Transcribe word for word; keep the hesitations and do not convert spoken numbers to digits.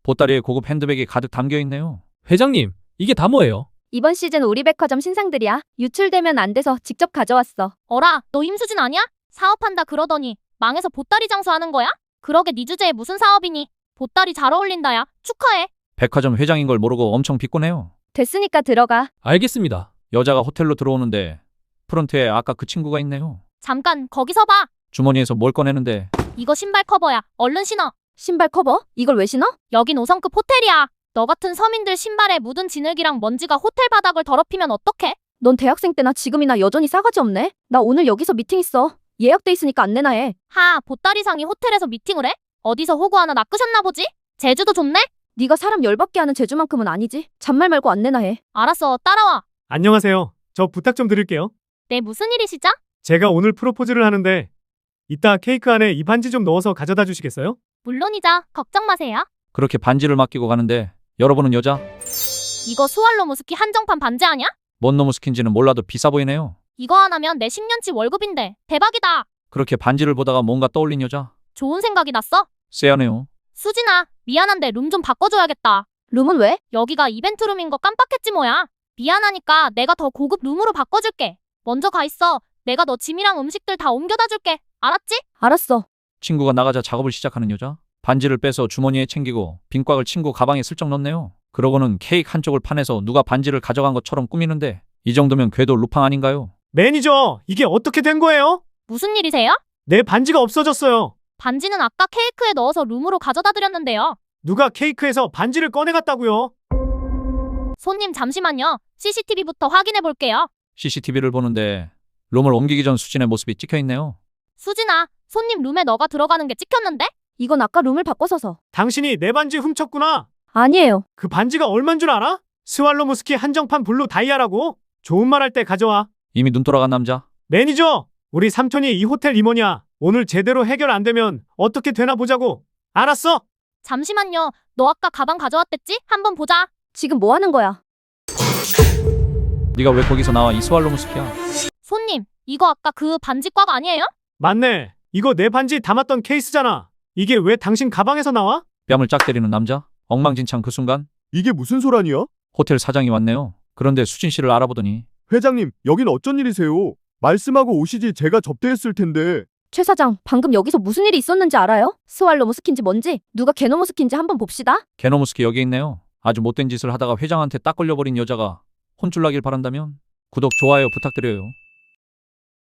보따리에 고급 핸드백이 가득 담겨 있네요. 회장님, 이게 다 뭐예요? 이번 시즌 우리 백화점 신상들이야. 유출되면 안 돼서 직접 가져왔어. 어라, 너 임수진 아니야? 사업한다 그러더니 망해서 보따리 장수하는 거야? 그러게 네 주제에 무슨 사업이니? 보따리 잘 어울린다 야. 축하해. 백화점 회장인 걸 모르고 엄청 비꼬네요. 됐으니까 들어가. 알겠습니다. 여자가 호텔로 들어오는데 프런트에 아까 그 친구가 있네요. 잠깐 거기서 봐. 주머니에서 뭘 꺼내는데 이거 신발 커버야. 얼른 신어. 신발 커버? 이걸 왜 신어? 여긴 오 성급 호텔이야. 너 같은 서민들 신발에 묻은 진흙이랑 먼지가 호텔 바닥을 더럽히면 어떡해? 넌 대학생 때나 지금이나 여전히 싸가지 없네. 나 오늘 여기서 미팅 있어. 예약돼 있으니까 안 내나 해. 하, 보따리상이 호텔에서 미팅을 해? 어디서 호구 하나 낚으셨나 보지? 제주도 좋네? 네가 사람 열받게 하는 재주만큼은 아니지. 잔말 말고 안 내나 해. 알았어, 따라와. 안녕하세요. 저 부탁 좀 드릴게요. 네, 무슨 일이시죠? 제가 오늘 프로포즈를 하는데 이따 케이크 안에 이 반지 좀 넣어서 가져다 주시겠어요? 물론이죠. 걱정 마세요. 그렇게 반지를 맡기고 가는데 열어보는 여자. 이거 스왈로무 스키 한정판 반지 아냐? 뭔 놈의 스킨지는 몰라도 비싸 보이네요. 이거 하나면 내 십 년치 월급인데 대박이다. 그렇게 반지를 보다가 뭔가 떠올린 여자. 좋은 생각이 났어. 쎄하네요. 수진아, 미안한데 룸 좀 바꿔줘야겠다. 룸은 왜? 여기가 이벤트 룸인 거 깜빡했지 뭐야. 미안하니까 내가 더 고급 룸으로 바꿔줄게. 먼저 가 있어. 내가 너 짐이랑 음식들 다 옮겨다 줄게. 알았지? 알았어. 친구가 나가자 작업을 시작하는 여자. 반지를 빼서 주머니에 챙기고 빈곽을 친구 가방에 슬쩍 넣네요. 그러고는 케이크 한쪽을 파내서 누가 반지를 가져간 것처럼 꾸미는데 이 정도면 궤도 루팡 아닌가요? 매니저, 이게 어떻게 된 거예요? 무슨 일이세요? 내 반지가 없어졌어요. 반지는 아까 케이크에 넣어서 룸으로 가져다 드렸는데요. 누가 케이크에서 반지를 꺼내갔다고요? 손님 잠시만요. 씨씨티비부터 확인해 볼게요. 씨씨티비를 보는데 룸을 옮기기 전 수진의 모습이 찍혀있네요. 수진아, 손님 룸에 너가 들어가는 게 찍혔는데? 이건 아까 룸을 바꿔서서. 당신이 내 반지 훔쳤구나. 아니에요. 그 반지가 얼만 줄 알아? 스왈로무스키 한정판 블루 다이아라고. 좋은 말 할 때 가져와. 이미 눈 돌아간 남자. 매니저, 우리 삼촌이 이 호텔 임원이야. 오늘 제대로 해결 안 되면 어떻게 되나 보자고. 알았어? 잠시만요. 너 아까 가방 가져왔댔지? 한번 보자. 지금 뭐 하는 거야? 네가 왜 거기서 나와 이 스왈로무스키야? 손님, 이거 아까 그 반지 꽉 아니에요? 맞네. 이거 내 반지 담았던 케이스잖아. 이게 왜 당신 가방에서 나와? 뺨을 짝 때리는 남자. 엉망진창 그 순간 이게 무슨 소란이야? 호텔 사장이 왔네요. 그런데 수진 씨를 알아보더니 회장님, 여긴 어쩐 일이세요? 말씀하고 오시지 제가 접대했을 텐데. 최 사장, 방금 여기서 무슨 일이 있었는지 알아요? 스왈로무 스킨지 뭔지, 누가 게노무 스킨지 한번 봅시다. 게노무스키 여기 있네요. 아주 못된 짓을 하다가 회장한테 딱 걸려버린 여자가 혼쭐 나길 바란다면 구독, 좋아요 부탁드려요.